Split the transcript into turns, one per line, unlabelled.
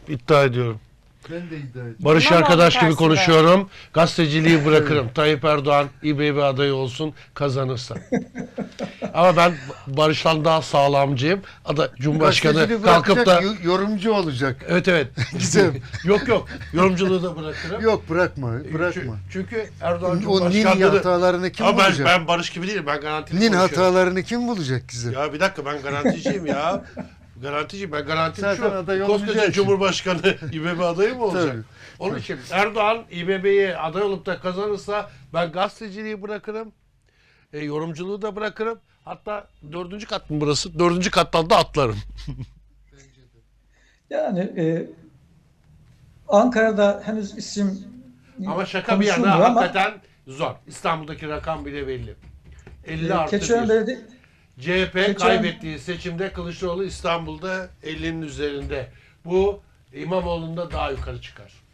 iddia ediyorum.
Ben de iddia ediyorum.
Barış
İmamoğlu
arkadaş gibi
tersine.
konuşuyorum. Gazeteciliği bırakırım. Tayyip Erdoğan İBB adayı olsun kazanırsa. Ama ben Barış'tan daha sağlamcıyım. Cumhurbaşkanı
Gazeteciliği
kalkıp da
bırakacak, yorumcu olacak.
evet.
Güzel.
Yok. Yorumculuğu da bırakırım.
Yok bırakma.
Çünkü Erdoğan
O nin
Cumhurbaşkanlığı...
hatalarını kim
Ama
bulacak?
ben Barış gibi değilim. Ben garantili
Nin
konuşuyorum.
hatalarını kim bulacak güzel?
Ya bir dakika, ben garanticiyim ya. Garanticiyim. Ben garantili
Zaten aday
şu. Koskoca
olmayacaksın.
Cumhurbaşkanı İBB adayı mı olacak?
Tabii.
Onun için Erdoğan İBB'ye aday olup da kazanırsa ben gazeteciliği bırakırım. Yorumculuğu da bırakırım. Hatta 4. kat mı burası? 4. kattan da atlarım.
Yani Ankara'da henüz isim
Ama şaka bir yana
konuşulmuyor ama
hakikaten zor. İstanbul'daki rakam bile belli. 50 artı
Keçiören
1.
Belediye
CHP kaybettiği seçimde Kılıçdaroğlu İstanbul'da 50'nin üzerinde. Bu İmamoğlu'nda daha yukarı çıkar.